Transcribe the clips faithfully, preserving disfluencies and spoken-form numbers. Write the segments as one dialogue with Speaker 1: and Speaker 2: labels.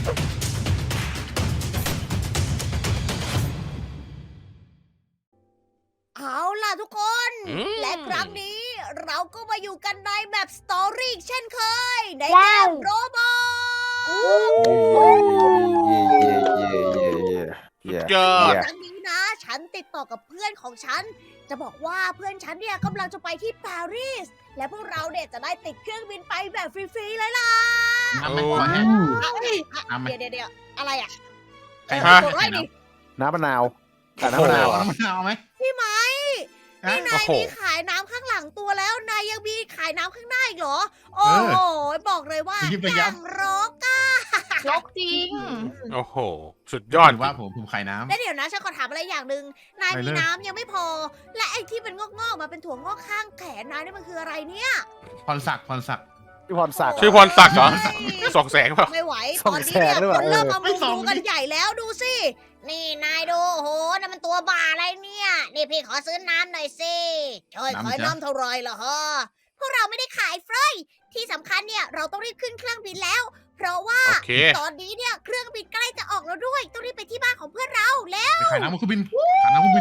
Speaker 1: เอาล่ะทุกคน
Speaker 2: อืม
Speaker 1: และครั้งนี้เราก็มาอยู่กันในแบบสตอรี่เช่นเคย ในเก
Speaker 3: ว้าว
Speaker 1: มโรบอท
Speaker 4: เย่เย่เย่เย่เย่เย่
Speaker 2: ยอด
Speaker 1: ครั้งนี้นะ ฉันติดต่อกับเพื่อนของฉัน จะบอกว่าเพื่อนฉันเนี่ยกำลังจะไปที่ปารีส และพวกเราเนี่ยจะได้ติดเครื่องบินไปแบบฟรีๆเลยล่ะ
Speaker 5: น้ำไหม
Speaker 2: โอ้
Speaker 5: ขอแห้ง
Speaker 1: เอาดิ
Speaker 5: น้ำไหม
Speaker 1: เดี๋ยวเดี๋ยวอะไรอ่ะ
Speaker 5: ใคร
Speaker 1: เอ
Speaker 5: ฮะ
Speaker 1: อกดไว้ดิ
Speaker 4: น้ำมะนาวแต่น้ำมะนาว
Speaker 5: เอา
Speaker 4: อะ
Speaker 5: น้ำมะนาวไหม
Speaker 1: พี่ไหม
Speaker 5: ฮะ
Speaker 1: นี่นาย
Speaker 2: โอ้โห
Speaker 1: มีขายน้ำข้างหลังตัวแล้ว นายยังมีขายน้ำข้างหน้าอีกเหรอ โอ้โห บอกเลยว่า
Speaker 5: รีบไป
Speaker 1: อ
Speaker 5: ยั
Speaker 1: ย่า
Speaker 5: บ
Speaker 1: งรกอะ
Speaker 3: ลกจริง
Speaker 2: โอ้โห สุดยอด
Speaker 5: ถืว่าผมผมขายน้
Speaker 1: แล้วเดี๋ยวนะฉันขอถามอะไรอย่างหนึ่งนาย
Speaker 5: ไป
Speaker 1: มี
Speaker 5: เลย
Speaker 1: น้ำยังไม่พอ และไอ้ที่เป็นงอกๆมาเป็นถั่วงอกข้างแขนนายนี่มันคืออะไรเนี่ย
Speaker 5: ำพรศักดิ์พรศักดิ์
Speaker 4: พี่พรศักดิ์
Speaker 2: ชื่อพรศักดิ์เหรอ สองแสงเปล่า
Speaker 1: ไม่ไหว
Speaker 4: ส่
Speaker 1: ต
Speaker 4: อง
Speaker 1: อนนี้
Speaker 4: แส
Speaker 1: เนี่ย
Speaker 4: งหรือเป
Speaker 1: ค
Speaker 4: ล่าน
Speaker 1: เริ่ม
Speaker 4: เออ
Speaker 1: มามุงดูกันใหญ่แล้วดูสิ นี่นายดูโอ้โหนั่นมันตัวบ้าอะไรเนี่ย นี่พี่ขอซื้อน้ำหน่อยสิช่วยขายน้ำเท่าไรล่ะฮะ พวกเราไม่ได้ขายเฟรยที่สำคัญเนี่ยเราต้องรีบขึ้นเครื่องบินแล้ว เพราะว่า
Speaker 2: โอเค
Speaker 1: ตอนนี้เนี่ยเครื่องบินใกล้จะออกแล้วด้วย ต้องรีบไปที่บ้านของเพื่อนเราแล้ว
Speaker 5: ไปขายน้ำมันเครื่องบินขายน้ำเครื่องบิน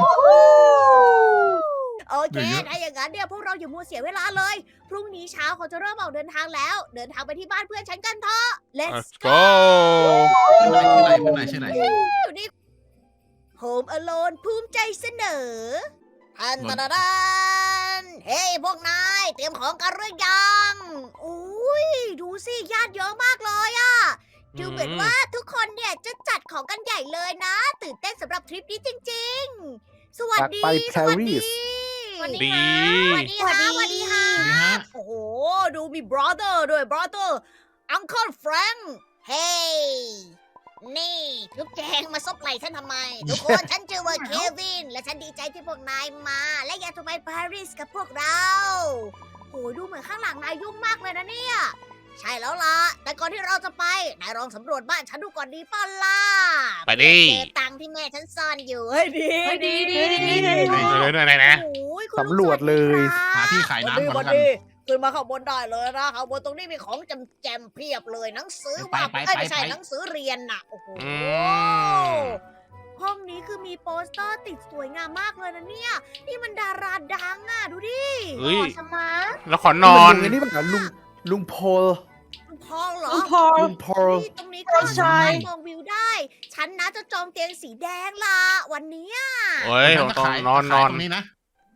Speaker 1: โอเค
Speaker 5: เหลือเยอะ
Speaker 1: ถ้าอย่างนั้นเนี่ยพวกเราอย่ามัวเสียเวลาเลย พรุ่งนี้เช้าเขาจะเริ่มออกเดินทางแล้ว เดินทางไปที่บ้านเพื่อนฉันกันเถอะ let's
Speaker 2: let's
Speaker 1: go
Speaker 2: go
Speaker 5: ชื่ออะไรชื่ออะไรชื่ออะไร
Speaker 1: อยู่นี่ Home Alone ภูมิใจเสนอทันตะดะดันเฮ้ยพวกนายเตรียมของกันหรือยังอุ้ยดูสิญาติเยอะมากเลยอะดูเหมือนว่าทุกคนเนี่ยจะจัดของกันใหญ่เลยนะ ตื่นเต้นสำหรับทริปนี้จริงๆ สวัสดี
Speaker 4: อยากไป
Speaker 1: สวัสดี
Speaker 4: ปารีส
Speaker 2: ดี
Speaker 1: สวัสดีค่ะสวัสดีค่ะ
Speaker 5: สวัสดีฮะ
Speaker 1: โอ้โห ดูมี brother ด้วย brother uncle frank เฮ้ยนี่ทุกแจงมาซบไหล่ฉันทำไม ทุกคน ฉันชื่อว่าเควิน และฉันดีใจที่พวกนายมา และอยากจะไปปารีสกับพวกเราโอ้ดูเหมือนข้างหลังนายยุ่งมากเลยนะเนี่ย ใช่แล้วล่ะ แต่ก่อนที่เราจะไป นายลองสำรวจบ้านฉันดูก่อนดีป่ะล่ะ
Speaker 2: ไปดิ
Speaker 1: เจอตังค์ที่แม่ฉันซ่อนอยู่เฮ้ยดี
Speaker 3: เฮ้ยดีดีดีดี
Speaker 2: เลยเลยไหนนะ
Speaker 1: โอ้ยคุณ
Speaker 4: สำรวจเลย
Speaker 5: หาที่ขายน้ำก่อน
Speaker 1: วั
Speaker 5: แล้วกัน
Speaker 1: ดีขึ้นมาข้างบนได้เลยนะข้างบนตรงนี้มีของจำแจมเพียบเลยหนังสือ
Speaker 5: ไป
Speaker 1: ว่า
Speaker 5: ไป
Speaker 1: เอ้ย
Speaker 5: ไป
Speaker 1: ไม่ใช่
Speaker 5: ไป
Speaker 1: หนังสือเรียนน่ะโอ้โห
Speaker 2: อืม
Speaker 1: ห้องนี้คือมีโปสเตอร์ติดสวยงามมากเลยนะเนี่ย นี่มันดาราดังอ่ะ ดูดิ
Speaker 2: เฮ้ย
Speaker 3: สมาร์ท
Speaker 2: แล้วขอนอน
Speaker 4: ลุงไอ้นี่มันเหรอลุงลุงโพล
Speaker 1: คุณพองเหรอ
Speaker 3: พอ
Speaker 4: ลุงโพล
Speaker 1: นี่ตรงนี้ก็
Speaker 3: ใช่
Speaker 1: สามารถมองวิวได้ ฉันนะจะจองเตียงสีแดงล่ะ วันนี้
Speaker 2: เฮ้ย
Speaker 5: จะ
Speaker 2: ต้อง
Speaker 5: ขาย
Speaker 2: นอนน
Speaker 5: ขาย
Speaker 2: อน
Speaker 5: ตรงนี้นะ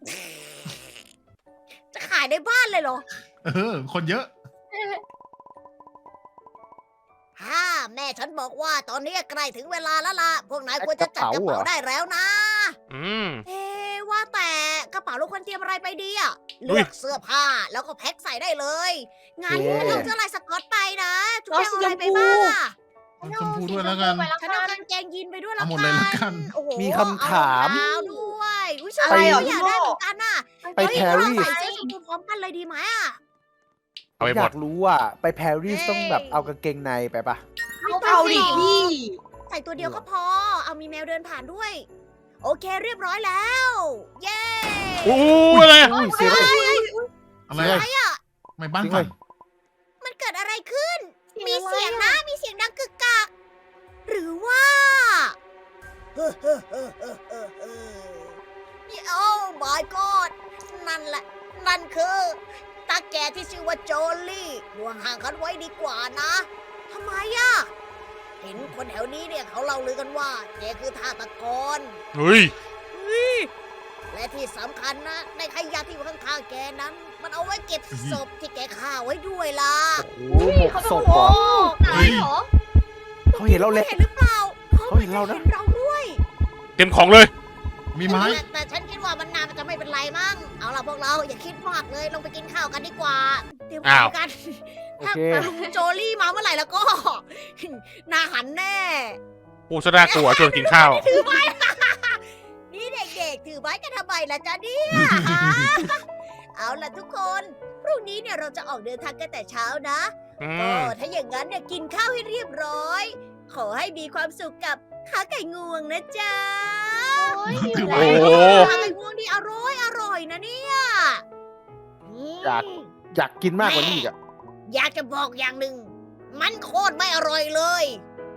Speaker 1: จะขายในบ้านเลยเหรอ
Speaker 5: เออ คนเยอะ
Speaker 1: ฮ่าแม่ฉันบอกว่าตอนนี้ใกล้ถึงเวลาแล้วล่ะ พวกนายควรจะจัดกระเป๋าได้แล้วนะ
Speaker 2: อืม
Speaker 1: เอ๊ะว่าแต่กระเป๋าเราควรเตรียมอะไรไปดีอะ
Speaker 2: อุ๊
Speaker 1: เลื
Speaker 2: ย
Speaker 1: อกเสื้อผ้าแล้วก็แพ็คใส่ได้เลยงั้นเอาเสื้อลายสก๊อตไปนะจุ๊บแจงเอาอะไรไปบ้างอะ
Speaker 5: ชมพูด้วยแล้วกัน
Speaker 1: ฉันเอากางเกงยีนไปด้วยแล้ว
Speaker 5: เอาหมดเลยแล้วกัน
Speaker 1: โอ้โห
Speaker 4: มีคำถาม
Speaker 1: เอรองเท้าด้วยอุ้ยฉัน
Speaker 3: อะไรเหรอ
Speaker 1: ก็อยากได้เหมือนกันน่ะ
Speaker 4: ไป
Speaker 1: เฮ้ย
Speaker 4: ปา
Speaker 1: เรา
Speaker 4: รีส
Speaker 1: ใส่เสื้อชมพูพร้อมกันเลยดีไหมอะ
Speaker 2: เอาไป
Speaker 4: อ
Speaker 2: หม
Speaker 4: ยา
Speaker 2: ด
Speaker 4: กรู้อ่ะไปปารีสต้องแบบเอากางเกงในไปปะ
Speaker 3: เอาเอาดิพี่
Speaker 1: ใส่ตัวเดียวก็พอ เอามีแมวเดินผ่านด้วย โอเคเรียบร้อยแล้ว เย้
Speaker 2: อู้อะไรอะ
Speaker 4: อุ้ยเสียเลย
Speaker 5: อะไร
Speaker 4: เฮ้
Speaker 5: อะ
Speaker 4: ย
Speaker 1: อะ
Speaker 5: ไม่บ้าน
Speaker 4: จริง
Speaker 5: สั่
Speaker 4: เล
Speaker 5: น
Speaker 4: ย
Speaker 1: มันเกิดอะไรขึ้น มี
Speaker 3: มี
Speaker 1: เสี
Speaker 3: เสี
Speaker 1: ย
Speaker 3: ย
Speaker 1: ง
Speaker 3: ง
Speaker 1: นะ
Speaker 3: นะ
Speaker 1: มีเสียงดังกึกกัก หรือว่าเฮ้อเฮ้อเฮ้อเฮ้อเฮ้อเฮ้อโอ้ my god นั่นแหละ นั่นคือตาแก่ที่ชื่อว่าโจลี่ห่วงห่างกันไว้ดีกว่านะทำไมอะเห็นคนแถวนี้เนี่ยเขาเล่าลือกันว่าแกคือฆาตกร
Speaker 2: เฮ้ย
Speaker 1: และที่สำคัญนะในขยะที่อยู่ข้างๆแกนั้น มันเอาไว้เก็บศพที่แกฆ่าไว้ด้วยล่ะ
Speaker 4: โอ้โหหมกศพเหรอ
Speaker 3: ไหนเหรอ
Speaker 4: เขาเห็นเราเลย
Speaker 1: เห็นหรือเปล่า
Speaker 4: เขาเห็นเรานะ
Speaker 1: เห็นเราด้วย
Speaker 2: เต็มของเลย
Speaker 5: มีไม้
Speaker 1: แต่แต่ฉันคิดว่ามันนานมันจะไม่เป็นไรมั้งเอาล่ะพวกเราอย่าคิดมากเลยลงไปกินข้าวกันดีกว่าเตรียมข้าวกัน
Speaker 4: โอ
Speaker 1: ถ้า
Speaker 4: เค
Speaker 1: ลุงโจลี่มาเมื่อไหร่แล้วก็ หนาหันแน่
Speaker 2: ปูสดากลัวชวนกินข้าว
Speaker 1: ถือไม้ นี่เด็กๆ ถือไม้กันทำไมล่ะจ๊ะเนี่ย เอาล่ะทุกคน พรุ่งนี้เนี่ยเราจะออกเดินทางกันแต่เช้านะ
Speaker 2: อื
Speaker 1: ก็
Speaker 2: ม
Speaker 1: ถ้าอย่างนั้นเนี่ยกินข้าวให้เรียบร้อย ขอให้มีความสุขกับขาไก่งวงนะจ๊ะ
Speaker 3: โอ้ย
Speaker 5: ถือ
Speaker 2: โอ้
Speaker 5: ไม้
Speaker 2: โห
Speaker 1: ขาไก่งวงนี่อร่อยอร่อยนะเนี่ยม
Speaker 4: อยาก อยากกินมากกว่านี้อีกอ่ะ
Speaker 1: อยากจะบอกอย่างหนึ่ง มันโคตรไม่อร่อยเลย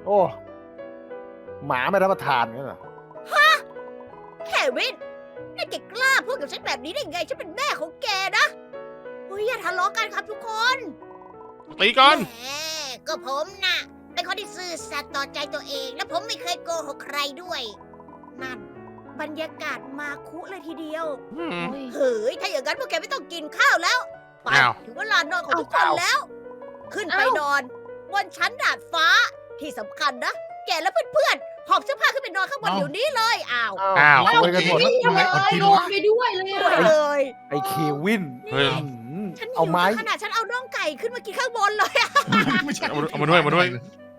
Speaker 4: โอ้หมาไม่รับประทานงั้นเหรอ
Speaker 1: เควินนี่แกกล้าพูดกับฉันแบบนี้ได้ไง ฉันเป็นแม่ของแกนะเฮ้ยอย่าทะเลาะกันครับทุกคน
Speaker 2: ตีกัน
Speaker 1: แหมก็ผมน่ะ เป็นคนที่ซื่อสัตย์ต่อใจตัวเอง และผมไม่เคยโกหกใครด้วย นั่น บรรยากาศมาคุเลยทีเดียว
Speaker 2: อืม
Speaker 1: เฮ้ย ถ้าอย่างนั้นพวกแกไม่ต้องกินข้าวแล้ว ไป
Speaker 2: อ้าว
Speaker 1: ถึงเวลานอนของทุกคนแล้ว ขึ้นไปนอน บนชั้นดาดฟ้า ที่สำคัญนะ แกและเพื่อนๆ หอบเสื้อผ้าขึ้นไปนอนข้างบนเดี๋ยวนี้เลย อ้าว
Speaker 2: อ้าว
Speaker 4: ซวยกันหมด
Speaker 5: แล้วทำไมอดกิน
Speaker 3: โดน
Speaker 5: วะ
Speaker 3: ไปด้วยเลย
Speaker 1: สวย
Speaker 3: อ่ะ
Speaker 1: เลย
Speaker 4: ไอ้เควิน
Speaker 2: เฮ้ย
Speaker 4: อื้อหือ
Speaker 1: ฉันหิ
Speaker 4: เอา
Speaker 1: ว
Speaker 4: ไม้
Speaker 1: จนขนาดฉันเอาน่องไก่ขึ้นมากินข้างบนเลยอะ
Speaker 5: ไม่ใช่
Speaker 2: เอามาเอามาด้วยเอามาด้วย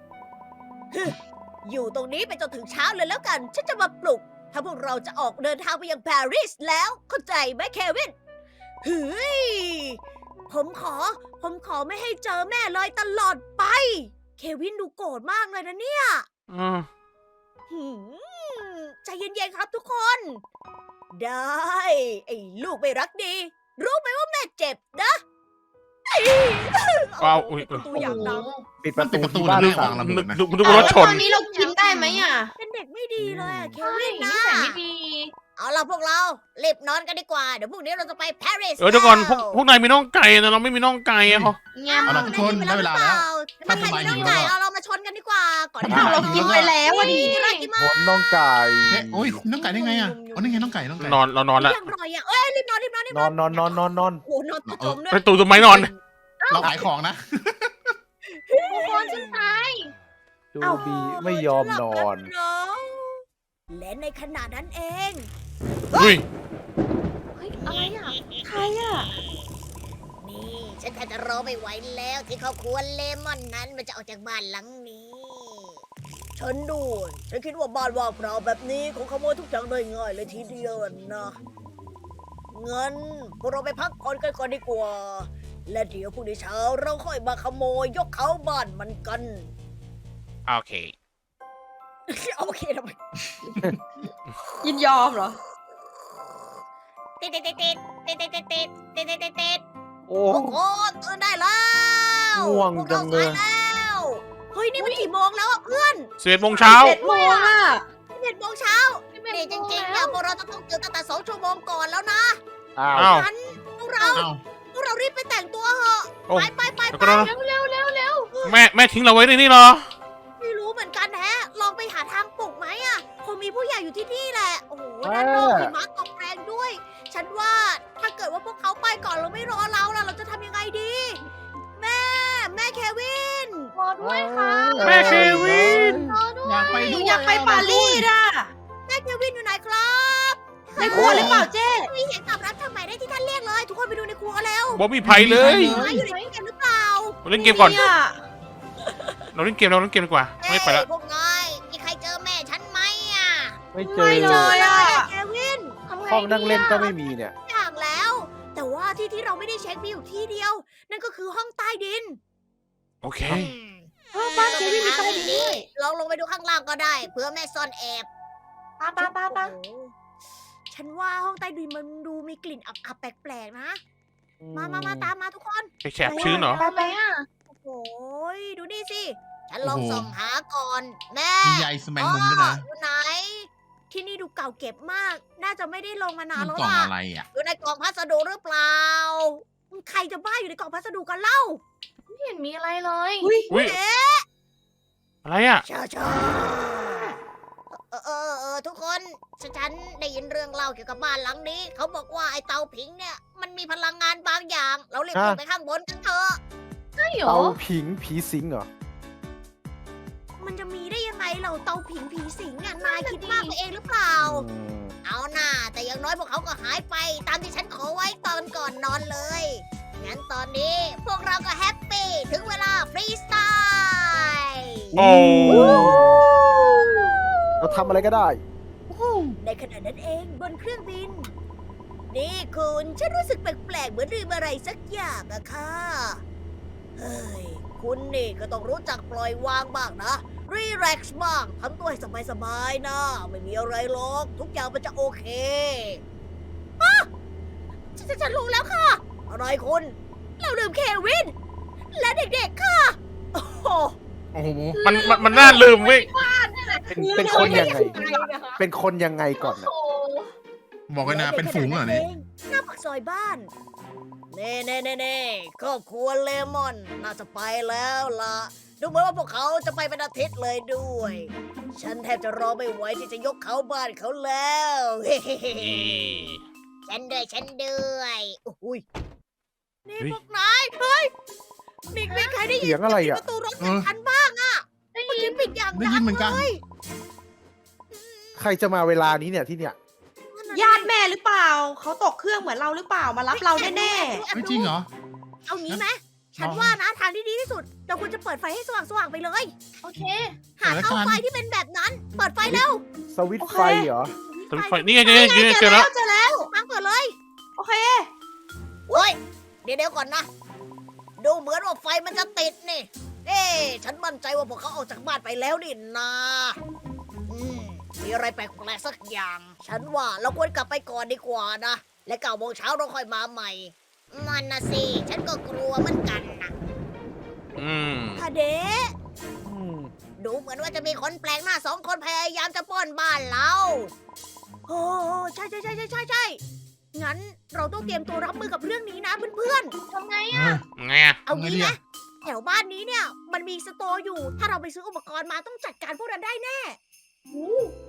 Speaker 1: อยู่ตรงนี้ไปจนถึงเช้าเลยแล้วกัน ฉันจะมาปลุก ถ้าพวกเราจะออกเดินทางไปยังปารีสแล้ว เข้าใจไหมเควินเฮ้ย ผมขอ ผมขอไม่ให้เจอแม่เลยตลอดไป เควินดูโกรธมากเลยนะเนี่ย
Speaker 2: อืม
Speaker 1: หืมใจเย็นๆครับทุกคน ได้ ไอ้ลูกไม่รักดี รู้ไหมว่าแม่เจ็บนะเอ้ย
Speaker 2: ว้าวอุ๊ย
Speaker 1: ปิดประตูอย่างดัง
Speaker 4: ปิดประตู
Speaker 5: ปิดประตู
Speaker 4: ที่บ้าน
Speaker 5: เรื่อง
Speaker 4: ขั
Speaker 5: วาง งระเบิดนะ
Speaker 2: นึกนึกว่ารถชน
Speaker 3: ตอนนี้เรากินได้ไหมอ่ะ
Speaker 1: เป็นเด็กไม่ดีเลยอะเค
Speaker 3: ใช่
Speaker 1: วิน
Speaker 3: นิ
Speaker 1: นะ
Speaker 3: สัยไม่ดี
Speaker 1: เอาล่ะพวกเรารีบนอนกันดีกว่า เดี๋ยวพรุ่งนี้เราจะไปปารีส
Speaker 2: เออเดี๋ยวก่อนพวก
Speaker 1: แล้ว
Speaker 2: พวกนายมีน่องไก่แต่เราไม่มีน่องไก่อะเขา
Speaker 3: เงี้ย
Speaker 5: เอาล่ะทุกคนได้เวลาแล้ว
Speaker 1: ถ้าใครมีน้องไก่เอาเรามาชนกันดีกว่า ก่อนที่
Speaker 3: อ้าวเรากินไปแล้วอ่ะดิ
Speaker 1: น่ากินมาก
Speaker 4: ผลน้องไก่
Speaker 5: เอ๊ะโอ้ยน้องไก่ได้ไงอ่ะอ๋อนี่ไงน้องไก่น้องไก่
Speaker 2: นอนเรานอนละ
Speaker 1: ยังรอยอ่ะเอ้ยรีบนอนรีบนอนรีบ
Speaker 4: นอนนอนนอนนอนนอน
Speaker 1: โอ้โหนอนตะจมด้วย
Speaker 2: ไปตูต้นไม้นอน
Speaker 5: เราขายของนะ
Speaker 3: ทุกคนฉันตาย
Speaker 4: ดูบีไม่ยอมนอน
Speaker 1: และในขณะนั้นเอง
Speaker 2: อุ้ย
Speaker 3: เฮ้ยอะไรอ่ะใครอ่ะ
Speaker 1: นี่ ฉันแทบจะรอไม่ไหวแล้วที่ครอบครัวเลมอนนั้นมันจะออกจากบ้านหลังนี้ ฉันดูฉันคิดว่าบ้านว่างเปล่าแบบนี้คงขโมยทุกอย่างได้ง่ายเลยทีเดียวนะเงินพวกเราไปพักผ่อนกันก่อนดีกว่า และเดี๋ยวพรุ่งนี้เช้าเราค่อยมาขโมยยกเขาบ้านมันกัน
Speaker 2: โอเค
Speaker 1: โอเคทำไม
Speaker 3: ยินยอมเหรอ
Speaker 1: ติดติดติดติดติดติดติดติดติดติดติดติด
Speaker 4: โอ้
Speaker 1: โอ้โหตื่นได้แล้ว
Speaker 4: ง่วง
Speaker 1: พก
Speaker 4: จั
Speaker 1: ราง
Speaker 4: เลย
Speaker 1: สาแล้วเฮ้ยนี่มันกี่โมงแล้วอะเพื่อน
Speaker 2: สิบเอ็ดโมงเช้า
Speaker 3: เจ็ดโมงอ่ะ
Speaker 1: เจ็ดโมงเช้านี่จริงๆเนี่ยพวกเราจะต้องตื่นตั้งแต่สองชั่วโมงก่อนแล้วนะ
Speaker 4: อ้าว
Speaker 2: อ้าว
Speaker 1: งั้นพวกเรา
Speaker 5: เอ้า
Speaker 1: พวกเรารีบไปแต่งตัวเถอะ
Speaker 2: โอ้
Speaker 1: ไปไปไป
Speaker 2: แล้ว
Speaker 1: ไป
Speaker 2: ก็
Speaker 3: เร็วเร็วเร็วเร็ว
Speaker 2: แม่แม่ทิ้งเราไว้ในนี่เหรอ
Speaker 1: ไม่รู้เหมือนกันแฮะลองไปหาทางปลุกไหมอะคงมีผู้ใหญ่อยู่ที่นี่แหละโอ้โหด้านนอกหิมะตกแรงด้วย ฉันว่าถ้าเกิดว่าพวกเขาไปก่อนเราไม่รอเราล่ะเราจะทำยังไงดี แม่ แม่เควิน
Speaker 3: รอด้วยค่ะ
Speaker 2: แม่เควิน
Speaker 3: รอด้วย
Speaker 5: อยากไปด้วย
Speaker 3: อยากไปปารีสอ่ะ
Speaker 1: แม่เควินอยู่ไหนครับ
Speaker 3: ในครัวหรือเปล่าเจ๊
Speaker 1: มีเสียงตอบรับทางหมายได้ที่ท่านเรียกเลย ทุกคนไปดูในครัวแล้ว
Speaker 2: บอมีไผ่เลย
Speaker 1: หมาอยู่ในเกมหรือเปล่า
Speaker 2: เราเล่นเกมก่อน
Speaker 3: เนี่ย
Speaker 2: เราเล่นเกมเราเล่นเกมดีกว่า ไม่ไปละ
Speaker 1: เอ้ยพวกนายมีใครเจอแม่ฉันไหมอ่ะ
Speaker 4: ไม่เจ
Speaker 3: ไม่
Speaker 4: อ
Speaker 3: เลยอ่ะ
Speaker 1: เควิน
Speaker 3: ทำไง
Speaker 4: ห้องนั่งเล่นก็
Speaker 3: ดี
Speaker 4: ไม่
Speaker 3: อะ
Speaker 4: มีเนี่ย
Speaker 1: อย่างแล้ว แต่ว่าที่ที่เราไม่ได้เช็คมีอยู่ที่เดียว นั่นก็คือห้องใต้ดิน
Speaker 2: โอเค
Speaker 3: เออบ้านเจ๊ไม่มีใต้ดินด้วย
Speaker 1: ลองลงไปดูข้างล่างก็ได้ เพื่อแม่ซ่อนแอบ
Speaker 3: ป้าป้าป้าป้า
Speaker 1: โอ้โหฉันว่าห้องใต้ดินมันดูมีกลิ่นอับๆแปลกๆนะ มามามาตามมาทุกคน
Speaker 2: ไปแฉบชื้นเหรอ
Speaker 3: ไปไปอ่ะ
Speaker 1: โอ้โหดูนี่สิ ฉันลองส่องหาก่อน แม่
Speaker 5: มีใยสแมงมุมด้วยนะ
Speaker 1: อยู่ไหน ที่นี่ดูเก่าเก็บมาก น่าจะไม่ได้ลงมานาน
Speaker 5: มัน
Speaker 1: แล้ว
Speaker 5: กล่อง
Speaker 1: ล่ะ
Speaker 5: อะไรอ่ะ
Speaker 1: อยู่ในกล่องพัสดุหรือเปล่า ใครจะบ้าอยู่ในกล่องพัสดุกันเล่า
Speaker 3: ไม่เห็นมีอะไรเลย
Speaker 2: อุ้ย
Speaker 1: เอ๊ะ
Speaker 2: อะไรอ่ะ
Speaker 1: ชาชาเออเออเออทุกคนฉันฉันได้ยินเรื่องเล่าเกี่ยวกับบ้านหลังนี้ เขาบอกว่าไอ้เตาผิงเนี่ย มันมีพลังงานบางอย่าง เราเรียก
Speaker 4: ฮะ
Speaker 1: ขึ้นไปข้างบนกันเถอะ
Speaker 3: ใช่เหรอ
Speaker 4: เตาผิงผีสิงเหรอ
Speaker 1: มันจะมีได้ยังไงเราเตาผิงผีสิงอ่ะนายคิดมากไปเองหรือเปล่า
Speaker 4: อืม
Speaker 1: เอาหน่าแต่อย่างน้อยพวกเขาก็หายไป ตามที่ฉันขอไว้ตอนก่อนนอนเลย งั้นตอนนี้พวกเราก็แฮปปี้ถึงเวลาฟรีสไตล์
Speaker 2: โอ้
Speaker 4: เราทำอะไรก็ได้
Speaker 1: ในขณะนั้นเองบนเครื่องบิน นี่คุณฉันรู้สึกแปลกๆเหมือนลืมอะไรสักอย่างอะค่ะ เฮ้ย คุณนี่ก็ต้องรู้จักปล่อยวางบ้างนะ รีแลกซ์บ้างทำตัวให้สบายๆนะ ไม่มีอะไรหรอก ทุกอย่างมันจะโอเคอะฉันฉันรู้แล้วค่ะ อะไรคุณ เราลืมเควิน และเด็กๆค่ะ โอ้โห
Speaker 5: โอ้โห
Speaker 2: มันมันมันน่าลืมเว้ย
Speaker 4: เป็นเป็นคนยังไง เป็นคนยังไงก่อนนะ
Speaker 3: โอ้
Speaker 5: บอกเลยนะเป็นฝูงเหรอเนี่ย
Speaker 1: หน้าปากซอยบ้าน เน่เน่เน่เน่ครอบครัวเลมอน น่าจะไปแล้วล่ะ ดูเหมือนว่าพวกเขาจะไปเป็นอาทิตย์เลยด้วย ฉันแทบจะรอไม่ไหวที่จะยกเขาบ้านเขาแล้ว ฉันด้วยฉันด้วยโอ้ยนี่
Speaker 2: เฮ้ย
Speaker 1: พวกนายเฮ้ยมีมีใครได้ยิน
Speaker 4: เสียงอะไรอะ
Speaker 1: ประตูรถจากฉันบ้างอะเมื่อกี้ปิดอย่าง
Speaker 5: ได้
Speaker 1: ดั
Speaker 5: ยิน
Speaker 1: ง
Speaker 5: เหมือนกัน
Speaker 1: เลย
Speaker 4: ใครจะมาเวลานี้เนี่ยที่เนี่ย
Speaker 6: ญาติแม่หรือเปล่า เขาตกเครื่องเหมือนเราหรือเปล่า มารับเราแน่
Speaker 1: แอบ
Speaker 5: ไม่
Speaker 1: ดู
Speaker 5: จริงเหรอ
Speaker 1: เอางี้ไหมฉัน
Speaker 5: ลอง
Speaker 1: ว่านะทางที่ดีที่สุด เราควรจะเปิดไฟให้สว่างๆไปเลย
Speaker 3: โอเค
Speaker 1: หา
Speaker 5: เปิด
Speaker 1: เตา
Speaker 5: แล้วกัน
Speaker 1: ไฟที่เป็นแบบนั้น เปิดไฟเร็ว
Speaker 4: สวิตช์ไฟเหรอ
Speaker 2: สวิตช์ไฟนี่ไงนี่ไงนี่ไง
Speaker 6: ๆ
Speaker 2: เจอแล้ว
Speaker 6: เจอแล้ว
Speaker 1: ทางเปิดเลย
Speaker 6: โอเค
Speaker 1: โอ้ยเดี๋ยวเดี๋ยวก่อนนะ ดูเหมือนว่าไฟมันจะติดนี่ เอ๊ะฉันมั่นใจว่าพวกเขาออกจากบ้านไปแล้วนี่นาอืมมีอะไรแปลกๆสักอย่าง ฉันว่าเราควรกลับไปก่อนดีกว่านะ และเก้าโมงเช้าเราค่อยมาใหม่นั่นนะสิ ฉันก็กลัวเหมือนกันนะ
Speaker 2: อืม
Speaker 1: ทาเดะ
Speaker 4: อืม
Speaker 1: ดูเหมือนว่าจะมีคนแปลกหน้าสองคนพยายามจะปล้นบ้านเรา โอ้ใช่ใช่ใช่ใช่ใช่ใช่งั้นเราต้องเตรียมตัวรับมือกับเรื่องนี้นะเพื่อน
Speaker 3: ทำไง
Speaker 5: เอ
Speaker 3: อ่ะ
Speaker 5: อ
Speaker 2: ไงอะ
Speaker 1: ๆ เอางี้
Speaker 5: ทำไงดี
Speaker 1: ไหม
Speaker 5: อะ
Speaker 1: แถวบ้านนี้เนี่ย มันมีสโตร์อยู่ ถ้าเราไปซื้ออุปกรณ์มาต้องจัดการพวกนั้นได้แน่
Speaker 2: โอ้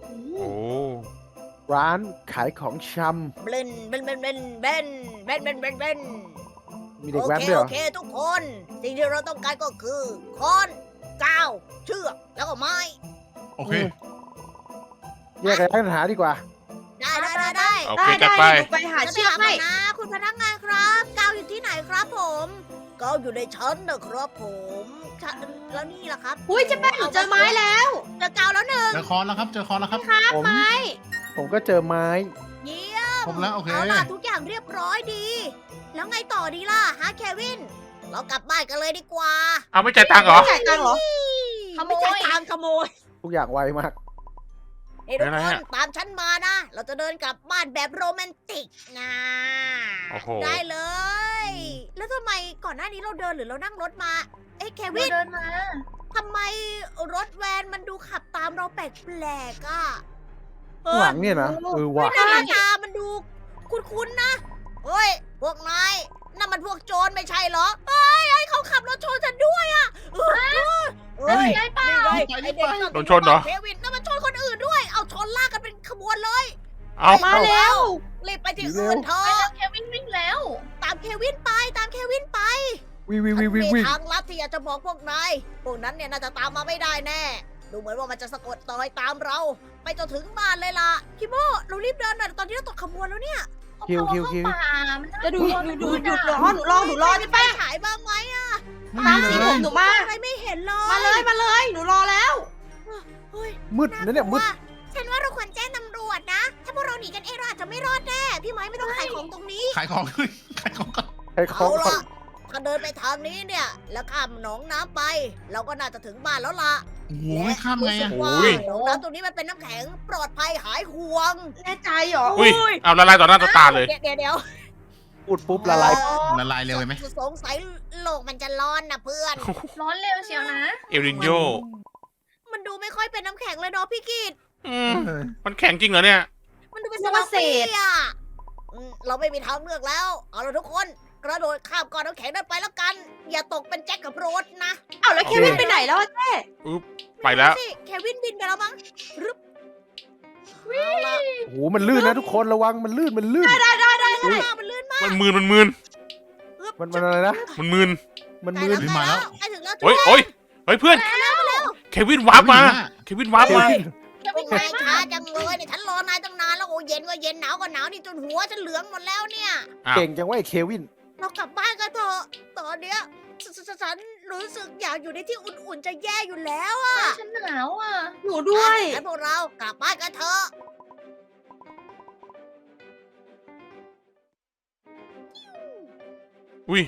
Speaker 4: ร้านขายของช
Speaker 1: เบนเบนเบนเบนเบนเบนเบนเบนเบน
Speaker 4: ำมีเด็ก
Speaker 1: โอ
Speaker 4: แว้น
Speaker 1: เค
Speaker 4: ด้วยเหร
Speaker 1: โอ
Speaker 4: อ
Speaker 1: เคทุกคน สิ่งที่เราต้องการก็คือค้อนกาวเชือกแล้วก็ไม้
Speaker 5: โอเค
Speaker 4: แยกกันปัญหาดีกว่า
Speaker 1: ได้ได้ได้ได้
Speaker 2: โอ
Speaker 6: ได้
Speaker 2: เคจัด
Speaker 6: ได้
Speaker 2: ไป
Speaker 6: เดี๋ยวหนูไปหา
Speaker 1: จะ
Speaker 6: เชือก
Speaker 1: ถาม
Speaker 6: ให้
Speaker 1: นะ คุณพนักงานครับกาวอยู่ที่ไหนครับผมกาวอยู่ในชั้นนะครับผมชั้นแล้วนี่ล่ะครับ
Speaker 6: อุ้ยเจะแป้งหนูเจอไม้แล้ว
Speaker 1: เจอกาวแล้วหนึ่ง
Speaker 5: เจอคอนแล้วครับ เจอคอนแล้วครับ
Speaker 4: ผม ผมก็เจอไม้
Speaker 1: เยี่ยม
Speaker 5: ครบแล้วโอเค
Speaker 1: เอาล่ะทุกอย่างเรียบร้อยดี แล้วไงต่อดีล่ะฮะเควิน เรากลับบ้านกันเลยดีกว่า
Speaker 2: เอาไม่จ่ายตังค์เหรอ
Speaker 6: จ่ายตังค์เหรอ
Speaker 1: เขาไม่ใช่ทางขโมย
Speaker 4: ทุกอย่างไวมาก
Speaker 1: เฮ้ยทุก
Speaker 2: อะไร
Speaker 1: คน
Speaker 2: อะ
Speaker 1: ตามฉันมานะ เราจะเดินกลับบ้านแบบโรแมนติกนะ
Speaker 2: โอ้โห
Speaker 1: ได้เลย แล้วทำไมก่อนหน้านี้เราเดินหรือเรานั่งรถมา เอ้ยเควิ
Speaker 3: เรา
Speaker 1: น
Speaker 3: เดินมา
Speaker 1: ทำไมรถแวนมันดูขับตามเราแปลกๆอ่ะ
Speaker 4: ข้างหลังเนี่ยนะ เออว่ะ
Speaker 1: หน้าตามันดูคุ้นๆนะ เฮ้ย พวกนายนั่นมันพวกโจรไม่ใช่เหรอเฮ้ยเฮ้ยเขาขับรถชนฉันด้วยอ่ะเฮ้ย
Speaker 5: เฮ้ย
Speaker 1: ไอ้เป้า
Speaker 5: รี
Speaker 1: ไอ้
Speaker 5: บไปรี
Speaker 1: เด็ก
Speaker 5: บไป
Speaker 1: นั่น
Speaker 2: โดนชนเหรอ
Speaker 1: เควินนั่นมันชนคนอื่นด้วย เอาชนลากกันเป็นขบวนเลย
Speaker 2: เอา
Speaker 6: มาแล้ว
Speaker 1: รีบไปที่
Speaker 4: เร็ว
Speaker 1: อื่นเถอะ
Speaker 3: เควินวิ่งแล้ว
Speaker 1: ตามเควินไป ตามเควินไป
Speaker 4: วิววิววิววิว
Speaker 1: มี
Speaker 4: วิว
Speaker 1: ทางลัดที่อยากจะบอกพวกนาย พวกนั้นเนี่ยน่าจะตามมาไม่ได้แน่ ดูเหมือนว่ามันจะสะกดรอยตามเรา ไปจนถึงบ้านเลยล่ะคิโมเรารีบเดินหน่อยตอนนี้เราตกขบวนแล้วเนี่ย
Speaker 4: คิวคิวคิว
Speaker 3: เข้าป่ามันน่า
Speaker 6: จะดู
Speaker 3: กลัว
Speaker 6: หนูดู
Speaker 3: ไป
Speaker 6: หยุด
Speaker 3: มาก
Speaker 6: รอหนูรอหนูรอ
Speaker 1: มี
Speaker 6: เจะ
Speaker 1: ไฟ
Speaker 6: แป้ง
Speaker 1: ฉายบ้างไหมอะ
Speaker 5: ไม่
Speaker 6: ตา
Speaker 5: มี
Speaker 6: ม
Speaker 5: เล
Speaker 6: สีผ
Speaker 5: ย
Speaker 6: มหนูมา
Speaker 1: อะไรไม่เห็นเลย
Speaker 6: มาเลยมาเลย หนูรอแล้ว
Speaker 1: เฮ้ย
Speaker 4: มืดนะเนี่ยมืด
Speaker 1: ากลัวฉันว่าเราควรแจ้งตำรวจนะ ถ้าพวกเราหนีกันเองเราอาจจะไม่รอดแน่ พี่ไม้ไม่ต้องขายของตรงนี้
Speaker 5: ขายของ ขายของก่อน
Speaker 4: ใครขอ
Speaker 1: เอา
Speaker 4: งก่อน
Speaker 1: ล่ะถ้าเดินไปทางนี้เนี่ย แล้วข้ามหนองน้ำไป เราก็น่าจะถึงบ้านแล้วล่ะ
Speaker 5: โอ้โหไม่ข้ามไง
Speaker 1: รู้สึ
Speaker 5: อะ
Speaker 1: กว่า
Speaker 2: โอ้ย
Speaker 1: หนองน้ำตรงนี้มันเป็นน้ำแข็งปลอดภัยหายห่วง
Speaker 6: แน่ใจเหรอ
Speaker 2: อุ้ย เอาละลายต่อหน้าต่อตาเลย
Speaker 1: เดี๋ยวเดี๋ยวเดี๋ยว
Speaker 4: พูดปุ๊บละลาย
Speaker 5: ละลายเร็วไหม
Speaker 1: สงสัยโลกมันจะร้อนนะเพื่อน
Speaker 3: ร้อนเร็วเชียวนะ
Speaker 2: เอลนินโย
Speaker 1: มันดูไม่ค่อยเป็นน้ำแข็งเลยเนาะพี่กิต
Speaker 2: อืมมันแข็งจริงเหรอเนี่ย
Speaker 1: มันดูเป็น
Speaker 6: นึ
Speaker 1: ส
Speaker 6: ก
Speaker 1: ลั
Speaker 6: ว่า
Speaker 1: บ
Speaker 6: เศ
Speaker 1: เปี
Speaker 6: ษ
Speaker 1: อ่ะอืมเราไม่มีทางเลือกแล้ว เอาละทุกคน กระโดดข้ามก้อนน้ำแข็งนั้นไปแล้วกัน อย่าตกเป็นแจ็คกับโรสนะ
Speaker 6: อ้าวแล้วเควินไปไหนแล้วอะเจ๊
Speaker 2: ไปแล้ว
Speaker 1: สิเควินบินไปแล้วมั้งรึบเอาละ
Speaker 4: โอ้โห มันลื่นนะทุกคนระวังมันลื่นมันลื่น
Speaker 6: ได้ได้ได้
Speaker 1: ข้างหน้ามันลื่นมาก
Speaker 2: มันมืนมันมืน
Speaker 1: รึบ
Speaker 4: มันมันอะไรนะ
Speaker 2: มันมืน
Speaker 4: มัน
Speaker 1: ใกล้
Speaker 4: มื
Speaker 1: แล้ว
Speaker 4: น
Speaker 1: ใกล้แล้วใกล้ถึงแล้วจุ๊
Speaker 2: โอ้ยโอ้ยเฮ้ยเพื่อน เควินวาร์ปมา เควินวาร์ปมา
Speaker 3: เควิน
Speaker 1: นาย
Speaker 3: ไว
Speaker 1: ช้าม
Speaker 3: าก
Speaker 1: จังเลยเนี่ยฉันรอนายตั้งนานแล้วโอ้เย็นก็เย็นหนาวก็หนาวนี่จนหัวฉันเหลืองหมดแล้วเนี่ย
Speaker 2: อ้าว
Speaker 4: เก่งจังว่าไอ้เควิน
Speaker 1: เรากลับบ้านกันเถอะตอนเนี้ยฉฉฉฉันรู้สึกอยากอยู่ในที่อุ่นๆจะแย่อยู่แล้วอะ
Speaker 3: ฉันหนาวอ่ะ
Speaker 6: หนูด้วย
Speaker 1: งั้นพวกเรากลับบ้านกันเถอะ
Speaker 2: อุ้ย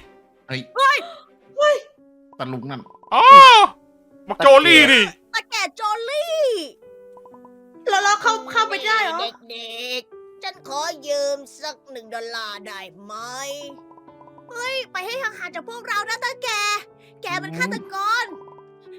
Speaker 5: ตะลุงนั่น
Speaker 2: อ๋อบักโจลี่นี่
Speaker 1: ตาแก่โจลี่
Speaker 6: แล้วเราเข้าเข้าไปได้เหรอ
Speaker 1: เด็กๆ ฉันขอยืมสักหนึ่งดอลลาร์ได้ไหม เฮ้ย ไปให้ห่างๆจากพวกเรานะตาแก แกมันฆาตกร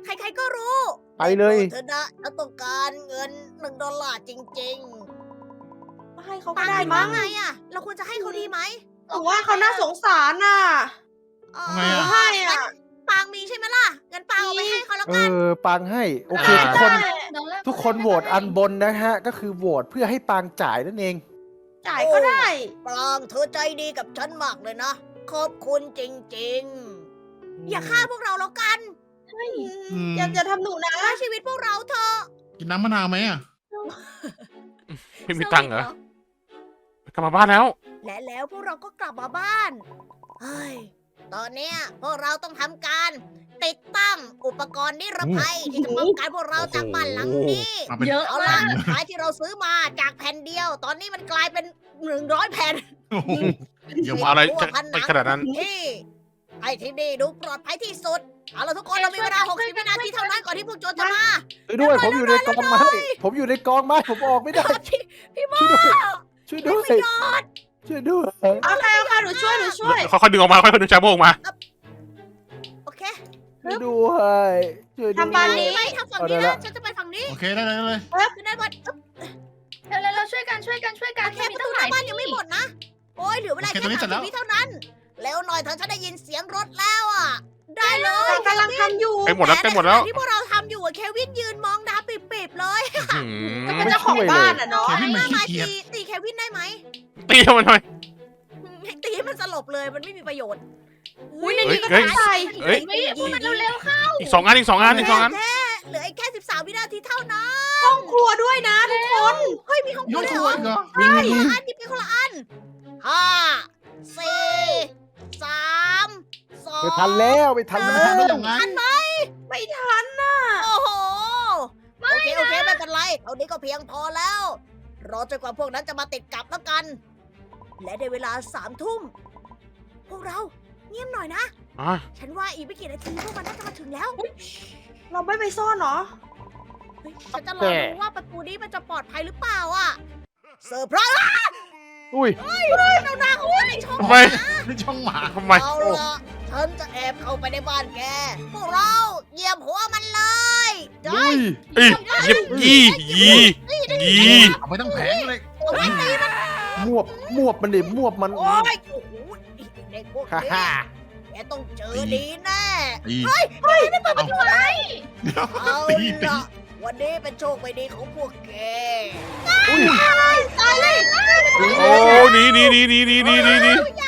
Speaker 1: ใครๆก็รู้
Speaker 4: ไปเลย
Speaker 1: เธอนะฉันต้องการเงินหนึ่งดอลลาร์จริง
Speaker 6: ให้เขา
Speaker 1: ๆ
Speaker 6: ก็
Speaker 1: ตัง
Speaker 6: ได้
Speaker 1: ค์
Speaker 6: มั้
Speaker 1: ว่าง ไงอะเราควรจะให้เขาดีไหม
Speaker 6: หรือว่าเขาน่าสงสารน่ะ
Speaker 1: เออ
Speaker 5: ทำไมอะ
Speaker 6: ให้อ่ะ
Speaker 1: ปางมีใช่ไหมล่ะงั้นปางเอาไปให้เขาแล้ว
Speaker 4: เอ
Speaker 1: กัน
Speaker 4: อปังให้โอเคทุกคน
Speaker 3: ดอลลาร์
Speaker 4: ทุกคนโหวตอันบนนะฮะ ก็คือโหวตเพื่อให้ปางจ่ายนั่นเอง
Speaker 6: จ่ายก็ได้
Speaker 1: ปางเธอใจดีกับฉันมากเลยนะ ขอบคุณจริงๆ อย่าฆ่าพวกเราแล้วกัน
Speaker 5: อืม
Speaker 6: อย่าอย่าทำหนูนะ
Speaker 1: ฆ่าชีวิตพวกเราเถอะ
Speaker 5: กินน้ำมะนาวไหมอ่ะ
Speaker 2: ไม่มีตังค์เหรอ กลับมาบ้านแล้ว
Speaker 1: และแล้วพวกเราก็กลับมาบ้าน เฮ้ย ตอนเนี้ยพวกเราต้องทำการติดตั้งอุปกรณ์นิรภัยที่จะป้องกันพวกเราจากบ้านหลังนี้
Speaker 5: มาเป็น
Speaker 3: เยอะ
Speaker 1: เอา
Speaker 3: มา
Speaker 1: ล่ะ
Speaker 3: ก
Speaker 1: ท้ายที่เราซื้อมาจากแผ่นเดียว ตอนนี้มันกลายเป็นหนึ่งร้อยแผ่น
Speaker 5: โอ้โหเยอะ
Speaker 1: ติด
Speaker 5: มาก
Speaker 2: อะไร
Speaker 1: ทั่ว
Speaker 2: จะ
Speaker 1: ผ
Speaker 2: ไปขนาดนั้น
Speaker 1: ที่ไอ้ที่นี่ดูปลอดภัยที่สุด เอาล่ะทุกคนเรามีเวลาหกสิบวินาทีเท่านั้นก่อนที่พวกโจรจะมา
Speaker 4: ช่วยด้วยผมอยู่ในกองไม้ผมอยู่ในกองไม้ผมออกไม่ได้
Speaker 1: พี่โม
Speaker 4: ช่วยด้วยช่วยด้วย
Speaker 1: ยอด
Speaker 4: ช่วยด้วย
Speaker 6: เอาใครเอาใครหนูช่วยหนูช่วย
Speaker 2: ค่อยๆดึงออกมาค่อยๆดึงชาโมออกมา
Speaker 1: โอเค
Speaker 4: ช่วยด้วยช่วยด้วย
Speaker 6: ทำบ้านนี้
Speaker 1: ไปทางฝั่ง
Speaker 4: เอาได้
Speaker 1: นี้
Speaker 4: ละ
Speaker 1: นะฉันจะไปฝั่งนี้
Speaker 5: โอเคได้เลยได้เลย
Speaker 1: ขึ้นด้านบนอึ๊บ
Speaker 3: เร็วๆเราช่วยกันช่วยกันช่วยกัน
Speaker 1: โอเค
Speaker 3: มี
Speaker 1: ประ
Speaker 3: ตั้
Speaker 1: ตู
Speaker 3: ง
Speaker 1: ห
Speaker 3: ห
Speaker 1: น้า
Speaker 3: ลาย
Speaker 1: บ้านยังไม่หมดนะ โอ้ยเหลือเวลาแค่สามสิบวิเท่านั้นเร็วหน่อยเถอะฉันได้ยินเสียงรถแล้วอ่ะ ได้เลย
Speaker 6: กำลังทำอยู่
Speaker 2: ใกล้หมดแล้วใกล้หมดแล้ว
Speaker 1: ที่พวกเราทำอยู่อะเควินยืนมองดาปิบๆเลย
Speaker 2: อื้อ
Speaker 6: ก็
Speaker 2: หื
Speaker 6: เป็น
Speaker 2: อ
Speaker 6: เจ้าของบ้านอ่ะเนาะ
Speaker 5: เควินมัน
Speaker 1: มา
Speaker 5: ขี้
Speaker 1: มา
Speaker 5: เกียจ
Speaker 1: ตีตีเควินได้ไหม
Speaker 2: ตีมันหน่อย
Speaker 1: ให้ตีมันสลบเลยมันไม่มีประโยชน์
Speaker 6: อุ้ยใน
Speaker 2: เฮ้ย
Speaker 6: นี้ก็
Speaker 2: เฮ้ย
Speaker 6: ต้องใส่
Speaker 2: เฮ้ย
Speaker 3: วิพวกมันเร็วๆเข้า
Speaker 2: อีกสองอันอีกสองอันอีกสองอัน
Speaker 1: แค่เหลืออีกแค่สิบสามวินาทีเท่านั้น
Speaker 6: ห้องครัวด้วยนะทุกคน
Speaker 1: เฮ้ยมีห้องค
Speaker 5: ย
Speaker 1: รัว
Speaker 5: ก
Speaker 1: ด้วย
Speaker 5: ค
Speaker 1: เห
Speaker 5: รั
Speaker 1: ร
Speaker 5: ว
Speaker 1: อ
Speaker 5: อีกเหรอ
Speaker 4: มีมี
Speaker 1: คนละอันหยิบไปคนละอันห้าสี่สามสอง
Speaker 4: ไม่ทันแล้วไม่ทัน
Speaker 5: มัน
Speaker 4: แล้ว
Speaker 5: ทำได้ยังไง
Speaker 6: ไม่ทันน่ะ
Speaker 1: โอ้โหโอเคโอเคไม่เป็นไรเท่านี้ก็เพียงพอแล้ว รอจนกว่าพวกนั้นจะมาติดกลับแล้วกัน และในเวลาสามทุ่มพวกเราเงียบหน่อยนะ
Speaker 2: อ่ะ
Speaker 1: ฉันว่าอีกไม่กี่นาทีพวกมันน่าจะมาถึงแล้ว
Speaker 6: เราไม่ไปซ่อนเหรอ
Speaker 1: เฮ้ยฉันจะรอดูว่าประตูนี้มันจะปลอดภัยหรือเปล่าอ่ะเซอร์ไพรส์
Speaker 4: อุ้ย
Speaker 1: เราหน้าเขาไว้ในช่อง
Speaker 2: ทำไม
Speaker 5: นี่ช่องหมา
Speaker 2: ทำไม
Speaker 1: เอาละฉันจะแอบเข้าไปในบ้านแก พวกเราเหยียบหัวมันเลยได้
Speaker 4: อุ้ย
Speaker 2: อียิบยี่ยียี
Speaker 5: เอาไปตั้งแผงเลย
Speaker 1: เอาไว้ตีมัน
Speaker 4: มวบมวบมันดิมวบมัน
Speaker 1: โอ้ยโอ้โหเด็กพวก
Speaker 4: ฮ่า
Speaker 1: นี้
Speaker 4: ฮ่า
Speaker 1: แกต้องเจอดีแน่
Speaker 5: ตีเฮ้ยเฮ้ยไม่เปิดประตูอะไร
Speaker 1: เอา
Speaker 5: ตีตี
Speaker 1: ละวันนี้เป็นโชคไม่ดีของพวกแก
Speaker 4: อุ้ย
Speaker 1: ตายเลย
Speaker 2: โอ้หนีหนีหนีหนีหนีหนีหนีหนี
Speaker 1: ใหญ่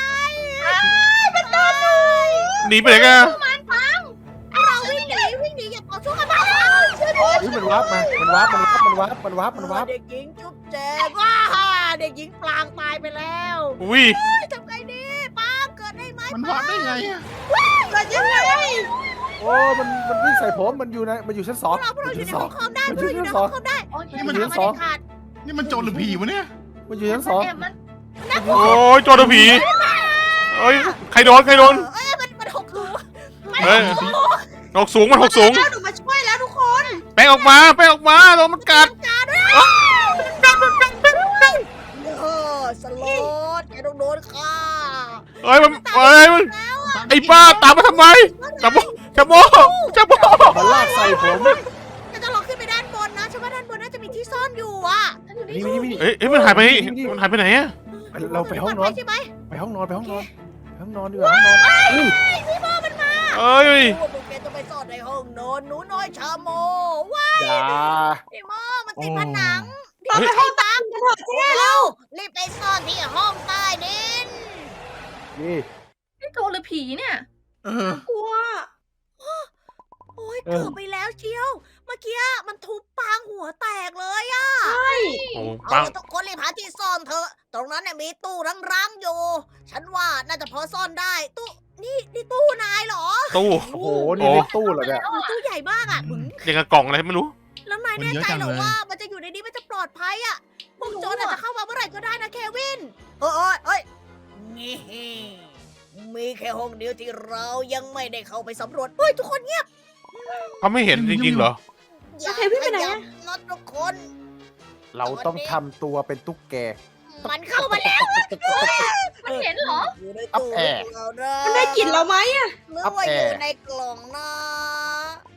Speaker 2: หนีไปไหนกัน
Speaker 1: เราวิ่งหนีวิ่งหนีอย่าต่อสู้กันมา
Speaker 4: อุ้ยมันวาร์ปมามันวาร์ปมันวาร์ปมันวาร์ปมันวาร์ปมันวาร์ป
Speaker 1: เด็กหญิงจุ๊บแจงว้าเด็กหญิงปลางตายไปแล้ว
Speaker 2: อุ้ย
Speaker 1: เฮ้ยทำไงดีป้างเกิดได้ไหม
Speaker 5: มันวาดได้ไงอ่ะ
Speaker 6: เกิดยังไง
Speaker 4: โอ้มันมันวิ่งใส่ผมมันอยู่ในมันอยู่ชั้นส
Speaker 1: พ
Speaker 4: อ
Speaker 1: ว
Speaker 4: ง
Speaker 1: กเราพวกเราอยู่ใน
Speaker 4: ชั้นส
Speaker 1: ห้
Speaker 4: อ
Speaker 1: อง งคอมได้พ
Speaker 4: มัน
Speaker 1: วก
Speaker 4: อยู่
Speaker 1: เราอยู่ใน
Speaker 4: ชั้นส
Speaker 1: ห้
Speaker 4: อ
Speaker 1: อง งคอมได้
Speaker 3: โอเค
Speaker 4: มัน
Speaker 1: มัน
Speaker 4: อยู่
Speaker 1: ทำ
Speaker 4: ชั้น
Speaker 1: ไม่
Speaker 4: สอง
Speaker 1: ได้ขาด
Speaker 5: นี่มันโจรหรือผีวะเนี่ย
Speaker 4: มันอยู่ชั้นสอง
Speaker 3: แอบมัน
Speaker 2: โอ้ยโจรตัวผีเอ้ยใครโดนใครโดน
Speaker 1: เอ้ยมันมันหกสูง
Speaker 2: เฮ้ยหกสูงมันหกสูง
Speaker 6: แล้วหนูมาช่วยแล้วทุกคน
Speaker 2: แป้งออกมาแป้งออกมาโดนมันกัด
Speaker 1: เออสโลดแกต้องโดนฆ่า
Speaker 2: เอ้ยมันเอ้ยมันไอ้ป้าตามมาทำไมจับโมจับโมจับโม
Speaker 4: มันลากใส่ผม
Speaker 1: จะต้องลองขึ้นไปด้านบนนะฉันว่าด้านบนน่าจะมีที่ซ่อนอยู่อ่ะ
Speaker 3: ฉันอยู่ใน
Speaker 4: นี่
Speaker 3: ช่
Speaker 4: นี่
Speaker 3: อง
Speaker 4: นี่
Speaker 2: เอ้ยเอ้ยมันหายไปมันหายไปไหนอะ
Speaker 4: เราไปห้องนอน
Speaker 1: ใช่ไหม
Speaker 4: ไปห้องนอนไปห้องนอนไปห้องนอนดีกว่าห้องนอนอุ้ย
Speaker 2: เอ้ย
Speaker 1: พวกแกจะไปซ่อนในห้องนอนหนูน้อยชาโมว้า
Speaker 4: อย่า
Speaker 1: ไอ้โมมันติดผนัง
Speaker 6: เราไปห้องตังกันเถอะ
Speaker 1: พวกเรารีบไปซ่อนที่ห้องใต้ดิน
Speaker 4: นี่
Speaker 3: นี่โจรหรือผีเนี่ย
Speaker 5: เออก
Speaker 6: ลัว
Speaker 1: โอ้ยเกือบไปแล้วเชียว เมื่อกี้มันทุบปางหัวแตกเลยอะ
Speaker 6: ใช่
Speaker 2: โอ้
Speaker 1: เอา
Speaker 2: ปัง
Speaker 1: ละทุกคนรีบหาที่ซ่อนเถอะ ตรงนั้นเนี่ยมีตู้ร้างๆอยู่ ฉันว่าน่าจะพอซ่อนได้ ตู้ นี่นี่ตู้นายเหรอ
Speaker 2: ตู้
Speaker 4: โอ้โหนี่ในตู้เหรอเนี่ย
Speaker 1: โอ้ตู้ใหญ่มากอะบึ้ง
Speaker 2: ยังกับกล่องอะไรไม่รู้
Speaker 1: แล้วนายแน่ใจเหรอว่ามันจะอยู่ในนี้มันจะปลอดภัยอะพวกโจรอาจจะเข้ามาเมื่อไหร่ก็ได้นะเควิน เฮ้ยเฮ้ยเฮ้ยนี่มีแค่ห้องเดียวที่เรายังไม่ได้เข้าไปสำรวจ เฮ้ยทุกคนเงียบ
Speaker 2: เขาไม่เห็นจริงๆเหรอ
Speaker 1: อย่า
Speaker 6: เควินไปไหน
Speaker 1: ขยั
Speaker 6: อะ
Speaker 1: บนะทุกคน
Speaker 4: เราต้องทำตัวเป็นตุ๊กแก
Speaker 1: มันเข้ามาแล้ว
Speaker 3: มันเห็นเหรอ
Speaker 1: อยู่ใน
Speaker 4: อัพ
Speaker 1: ตู้
Speaker 4: แอร์
Speaker 1: เรานะ
Speaker 6: มันได้กลิ่นเราไหมอะ
Speaker 1: หรือ
Speaker 4: อัพ
Speaker 1: ว่า
Speaker 4: แอ
Speaker 1: อ
Speaker 4: ร์
Speaker 1: ยู่ในกล่องนะ เอาไง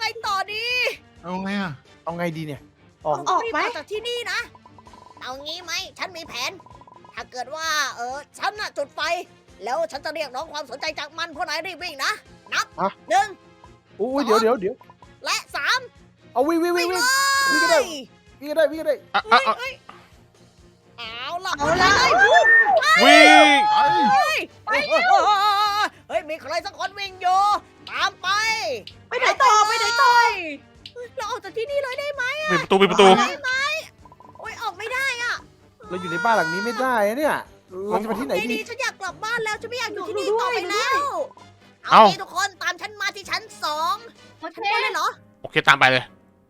Speaker 1: ต่อดี
Speaker 5: เอาไงอ่ะ
Speaker 4: เอาไงดีเนี่ยออก
Speaker 6: ออกไหม
Speaker 1: รีบจากที่นี่นะ เอางี้ไหม ฉันมีแผน ถ้าเกิดว่า เออ ฉันน่ะจุดไฟ แล้วฉันจะเรียกร้องความสนใจจากมันพวกนายรีบวิ่งนะ นับหนึ่ง
Speaker 4: อุ้ยเดี๋ยวเดี๋ยวเดี๋ยว
Speaker 1: และสาม
Speaker 4: เอาวิ่งวิ่งวิ่
Speaker 1: วิ่
Speaker 4: ง
Speaker 1: ง
Speaker 4: วิ่ง
Speaker 1: เล
Speaker 4: วิ่ง
Speaker 1: ย
Speaker 4: ก็ได้วิ่งก็ได้วิ่งก็ได้
Speaker 2: อ่ะ
Speaker 1: เฮ้
Speaker 2: อ่ะ
Speaker 1: ย
Speaker 2: อ่ะ
Speaker 1: เฮ้ยเอาล่ะ
Speaker 6: เอาละ
Speaker 2: วิ่ง
Speaker 5: ไป
Speaker 1: เฮ้ยเฮ้ย มีใครสักคนวิ่งอยู่ ตามไป
Speaker 6: ไปไหนต่อไปไหนต่อ
Speaker 1: เฮ้ยเราออกจากที่นี่เลยได้ไหม
Speaker 2: ปิดประตูปิดประตู
Speaker 1: ได้ไหมโอ้ยออกไม่ได้อะ
Speaker 4: เราอยู่ในบ้านหลังนี้ไม่ได้อะเนี่ยเราจะไปที่ไหน
Speaker 1: ไอ้
Speaker 4: ดี
Speaker 1: ดีฉันอยากกลับบ้านแล้วฉันไม่อยากอยู่ที่นี่
Speaker 6: ดูด้วย
Speaker 1: ต่อไป
Speaker 6: ดูด้วย
Speaker 1: แล้ว
Speaker 2: เอ้า
Speaker 1: เอางี้ทุกคนตามฉันมาที่ชั้นสอง
Speaker 3: โอเค
Speaker 1: ชั้นบนเลยเหรอ
Speaker 2: โอเคตามไปเลย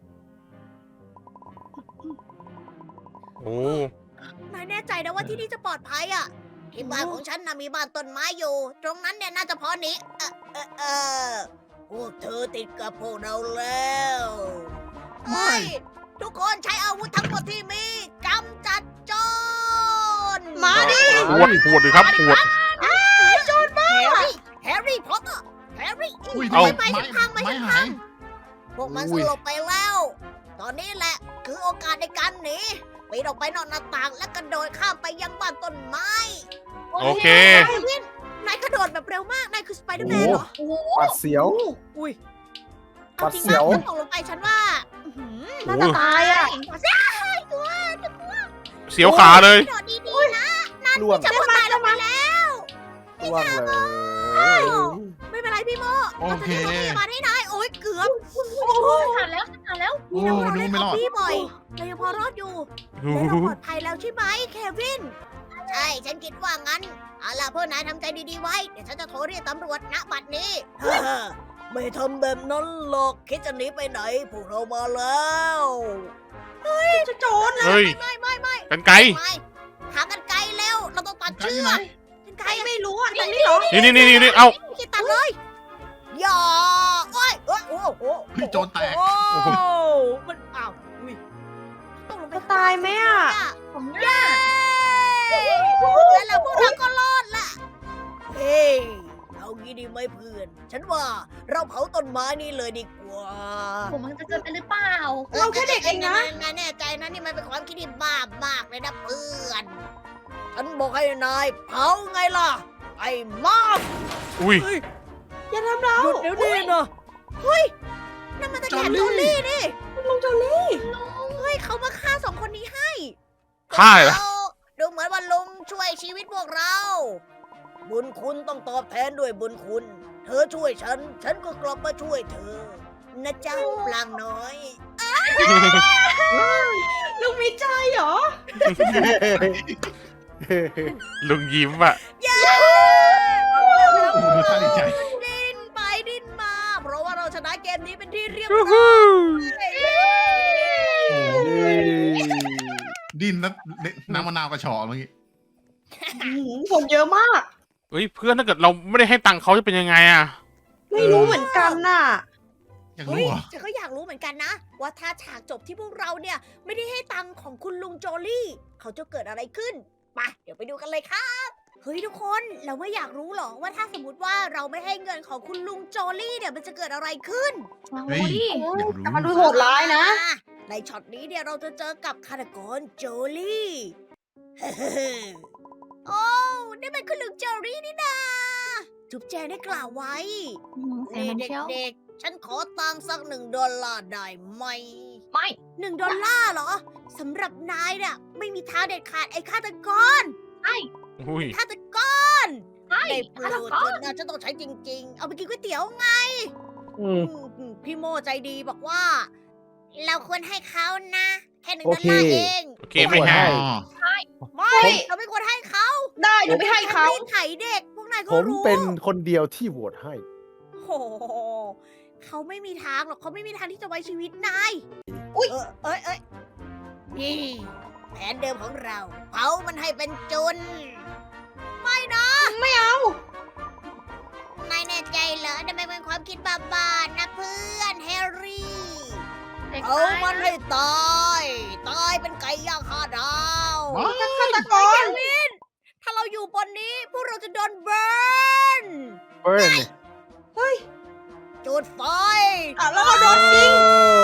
Speaker 2: โอ้
Speaker 1: นายแน่ใจนะว่าที่นี่จะปลอดภัยอ่ะ ที่บ้านของฉันน่ะมีบ้านต้นไม้อยู่ ตรงนั้นเนี่ยน่าจะพอหนี้เออเออเออพวกเธอติดกับพวกเราแล้วเฮ้ยทุกคนใช้อาวุธทั้งหมดที่มีกำจัดโจร
Speaker 6: มาดิ
Speaker 2: ปวดปวดเลยครับปวด
Speaker 1: แฮร์รี่แฮร์รี่พอตเตอร์แฮร์รี่
Speaker 5: อุ้ย
Speaker 2: เอา
Speaker 5: ไม้
Speaker 1: ไม้พังไม้
Speaker 5: ไม้
Speaker 1: พั
Speaker 5: หาง ย
Speaker 1: พวกมันสลบไปแล้ว ตอนนี้แหละคือโอกาสในการหนีปีนออกไปนอกหน้าต่างและกระโดดข้ามไปยังบ้านต้นไม้
Speaker 2: โอเค
Speaker 1: เควินนายกระโดดแบบเร็วมาก นายคือสไปเดอร์แมนเหรอ
Speaker 6: โอ้โห
Speaker 4: ปัดเสียว
Speaker 1: อุ้ย
Speaker 4: ปั
Speaker 1: เอา
Speaker 4: ด
Speaker 1: จริง
Speaker 4: เสียว
Speaker 1: นะถ้าตกลงไปฉันว่าอื้อหือ
Speaker 6: น่าจะตายอ่ะ
Speaker 1: ใช่ตัว
Speaker 2: เสียวขาเลย
Speaker 1: กระโดดดีๆนะ
Speaker 4: ล่วง
Speaker 1: จะพูดตายลงมาแล้ว
Speaker 4: ล่วงเลย
Speaker 1: ไม่เป็นไรพี่โม
Speaker 5: โอเค
Speaker 1: ราจะรีบโรงพยาบาลให้นายโอ้ยเกือบ
Speaker 3: ผ่านแล้วผ่านแล้ว
Speaker 5: โอ้
Speaker 1: นี่นะเรา
Speaker 5: ดู
Speaker 1: เล่น
Speaker 5: ไม่รอด
Speaker 1: พี่บ่อยเรายังพอรอดอยู่และเราปลอดภัยแล้วใช่ไหมเควิน ใช่ ฉันคิดว่างั้น เอาล่ะพวกนายทำใจดีๆไว้ เดี๋ยวฉันจะโทรเรียกตำรวจณบัดนี้ ไม่ทำแบบนั้นหรอก คิดจะหนีไปไหน พวกเรามาแล้ว
Speaker 6: จะโจรนะ
Speaker 2: เฮ้ย
Speaker 1: ไม่ไม่ไม่
Speaker 2: กันไกล
Speaker 1: ไม่หากันไกลเร็ว เราต้องตัด
Speaker 5: ไกล
Speaker 1: เชื
Speaker 5: อยู่
Speaker 1: อ
Speaker 5: ไหน
Speaker 1: กกันไก
Speaker 6: ใค
Speaker 1: ล
Speaker 6: รไม่รู้อ่ะตรงนี้เหรอ
Speaker 2: นี่นี่นี่นี่เอา
Speaker 1: ไม่คิดตัดเลย อย่าโอ้ยโอ้ยโอ้โห
Speaker 5: เฮ้ยโจรแตก
Speaker 1: โอ้โหมันอ้าวอุ้ยต้องลงไป
Speaker 6: จะตายไหมอ่ะ
Speaker 3: ผมห
Speaker 1: เย้
Speaker 3: น้า
Speaker 1: แล้วพวกเราก็รอดละเฮ้ยเอางี้ดีไหมเพื่อน ฉันว่าเราเผาต้นไม้นี่เลยดีกว่า
Speaker 3: ผมมันจะเกินไปหรือเปล่า
Speaker 6: เราแค่เด็กเองนะ
Speaker 1: นายแน่ใจนะนี่มันเป็นความคิดที่บ้ามากเลยนะเพื่อน ฉันบอกให้นายเผาไงล่ะ ไอ้มอบ
Speaker 2: อุ้ย
Speaker 6: อย่าทำเรา
Speaker 1: หยุดเดี๋ยวนี้นะเฮ้ยนั่นมันตะแกรง
Speaker 5: จ
Speaker 1: โจ
Speaker 5: อลลี่
Speaker 1: ลี่นี่
Speaker 6: ลุงโจลี่
Speaker 1: เฮ้ยเขามาฆ่าสองคนนี้ให้
Speaker 2: ฆ่าเหรอ
Speaker 1: เราดูเหมือนว่าลุงช่วยชีวิตพวกเรา บุญคุณต้องตอบแทนด้วยบุญคุณ เธอช่วยฉัน ฉันก็กลับมาช่วยเธอ นะเจ้าปลางน้อย
Speaker 6: ลุงมีใจเหรอ
Speaker 2: ลุงยิ้มอ่ะ
Speaker 1: เย้
Speaker 5: โอ้โหดูท่าดีใจ
Speaker 1: ดิ้นไปดิ้นมา เพราะว่าเราชนะเกมนี้เป็นที่เรียบ
Speaker 2: ยู
Speaker 1: ร้
Speaker 2: ฮู
Speaker 1: อย
Speaker 5: ดินแล้วน้ำมะนาวกระชอกเมื่อกี้
Speaker 6: หืมคนเยอะมาก
Speaker 2: เฮ้ยเพื่อนถ้าเกิดเราไม่ได้ให้ตังค์เขาจะเป็นยังไงอ่ะ
Speaker 6: ไม่รู้เหมือนกันน่ะ
Speaker 5: อยาก
Speaker 1: เฮ้
Speaker 5: รู้
Speaker 1: ย
Speaker 5: เหรอ
Speaker 1: ฉันก็อยากรู้เหมือนกันนะ ว่าถ้าฉากจบที่พวกเราเนี่ย ไม่ได้ให้ตังค์ของคุณลุงโจลี่ เขาจะเกิดอะไรขึ้นไปเดี๋ยวไปดูกันเลยครับ เฮ้ยทุกคนเราไม่อยากรู้หรอว่าถ้าสมมติว่าเราไม่ให้เงินของคุณลุงโจลี่เนี่ยมันจะเกิดอะไรขึ้น
Speaker 3: มา
Speaker 5: เฮ้ย
Speaker 3: ดิ
Speaker 5: อยากรู้
Speaker 6: แต่มันดูโหดร้ายนะ
Speaker 1: ในช็อตนี้เนี่ยเราจะเจอกับฆาตกรโจลี่ โอ้นี่เป็นคุณลุงโจลี่นี่นาจุ๊บแจงได้กล่าวไว้
Speaker 3: อืมเสียง
Speaker 1: นี่
Speaker 3: มันเชียว
Speaker 1: เด็กๆ ฉันขอตังค์สักหนึ่งดอลลาร์ได้ไหม
Speaker 3: ไม่
Speaker 1: หนึ่งดอลลาร์เหรอสำหรับนายเนี่ยไม่มีทางเด็ดขาดไอ้ฆาตกร
Speaker 2: อุ้ย
Speaker 1: ฆาตกร
Speaker 3: ไม่
Speaker 1: ได้โปร
Speaker 3: ฆาต
Speaker 1: ด
Speaker 3: ก
Speaker 1: เถ
Speaker 3: ร
Speaker 1: อะนะฉันต้องใช้จริง ๆ เอาไปกินก๋วยเตี๋ยวไง
Speaker 4: อืม
Speaker 1: อืมพี่โมใจดีบอกว่า เราควรให้เขานะ แค่หนึ่ง
Speaker 4: โอ
Speaker 1: ดอล
Speaker 4: เค
Speaker 1: ลาร์เอง
Speaker 2: โอเคไม่ให้
Speaker 5: อ๋อ
Speaker 1: ไม่ เราไม่ควรให้เขา
Speaker 6: ได้เดี๋ยวไปให้เขา
Speaker 1: รีดไถเด็ก พวกนายก็
Speaker 4: ผม
Speaker 1: รู้
Speaker 4: เป็นคนเดียวที่โหวตให้
Speaker 1: โอ้โหเขาไม่มีทางหรอกเขาไม่มีทางที่จะไว้ชีวิตนาย
Speaker 6: อุ๊ย
Speaker 1: เออเอ้ยเอ้ยนี่แผนเดิมของเรา เผามันให้เป็นจุน ไม่นะ
Speaker 6: ไม่เอา
Speaker 1: นายแน่ใจเหรอทำไมเป็นความคิดบ้าๆนะเพื่อนแฮร์รี่
Speaker 3: เด็ก
Speaker 1: เอา
Speaker 3: ตาย
Speaker 1: มัน
Speaker 3: นะ
Speaker 1: ให้ตาย ตายเป็นไก่ย่างห้าดาว
Speaker 5: ว้าว
Speaker 6: ฆาตกร
Speaker 1: ถ้าเราอยู่บนนี้ พวกเราจะโดนเบิร์น
Speaker 4: เบิร์น
Speaker 6: เฮ้ย
Speaker 1: จุดไฟ
Speaker 6: อ่ะแล้วก็โดนยิง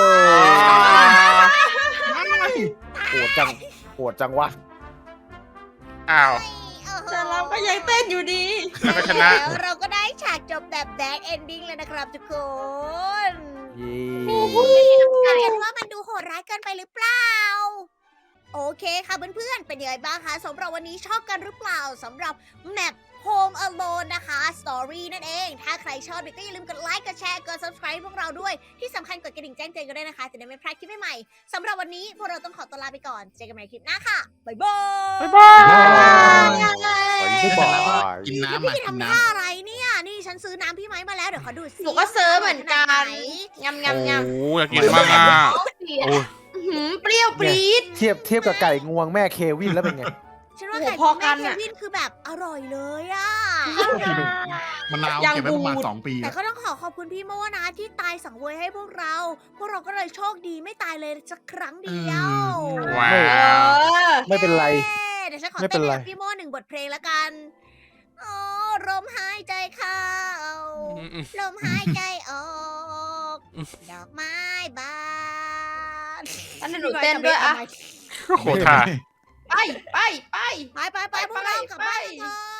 Speaker 4: โหดจังโหดจังวะ
Speaker 2: อ้าว
Speaker 6: แต่เราก็ยังเต้นอยู่ดี
Speaker 2: แล้วก็ชนะ
Speaker 1: แล้วเราก็ได้ฉากจบแบบแบดเอนดิ้งแล้วนะครับทุกคน
Speaker 4: เย้
Speaker 1: เห็นว่ามันดูโหดร้ายเกินไปหรือเปล่า โอเคค่ะเพื่อนๆ เป็นยังไงบ้างคะสำหรับวันนี้ชอบกันหรือเปล่าสำหรับแมป Home Alone นะคะ Story นั่นเอง ถ้าใครชอบก็อย่าลืมกดไลค์กดแชร์กด subscribe พวกเราด้วย ที่สำคัญกดกระดิ่งแจ้งเตือนกันด้วยนะคะ จะได้ไม่พลาดคลิปใหม่ๆสำหรับวันนี้พวกเราต้องขอตัวลาไปก่อน เจอกันใหม่คลิปหน้าค่ะ บ๊ายบาย
Speaker 2: บ๊ายบาย
Speaker 4: ไม่บอก
Speaker 5: กิน
Speaker 1: แล้ว
Speaker 5: น้ำอ่ะ
Speaker 1: พี่
Speaker 5: กิน
Speaker 1: ทำ
Speaker 5: น้
Speaker 1: ท่าอะไรเนี่ย นี่ฉันซื้อน้ำพี่ไม้มาแล้วเดี๋ยวขอดูสิ
Speaker 6: หนูก็ซื้อเหมือนกันยำยำย
Speaker 2: โอ้อยากกินมากอ่ะโอ้ย
Speaker 6: ำอื้อหือเปรี้ยวปรี๊ด
Speaker 4: เทียบเทียบกับไก่งวงแม่เควินแล้วเป็นไง
Speaker 1: ฉันว่า
Speaker 6: โอ้โห
Speaker 1: ไก่
Speaker 6: พอ
Speaker 1: ของ
Speaker 6: กั
Speaker 1: แม่
Speaker 6: น
Speaker 1: เค
Speaker 6: อะ
Speaker 1: วินคือแบบอร่อยเลยอะ
Speaker 5: ำมะนาวเก็บไว้ประมาณสองปี
Speaker 1: แต่
Speaker 5: อะ
Speaker 1: ก็ต้องขอขอบคุณพี่โมนะที่ตายสังเวยให้พวกเรา พวกเราก็เลยโชคดีไม่ตายเลยสักครั้งเดียว
Speaker 2: ว้า
Speaker 6: เอ
Speaker 2: ว
Speaker 6: อ
Speaker 4: ไม่เป็นไร
Speaker 1: เย้เดี๋ยวฉันขอ
Speaker 4: ไม่เป็
Speaker 1: เต้น
Speaker 4: นไร
Speaker 1: กับพี่โมหนึ่งบทเพลงแล้วกันโอ้ลมหายใจเข้า ลมหายใจออก ดอกไม้บาน
Speaker 6: อันนี้หนูเต้นด้วยอะ
Speaker 2: โคตรท่า
Speaker 6: ไปไปไป
Speaker 1: ไปไปไปพวกเรากลับบ้านกันเถอะ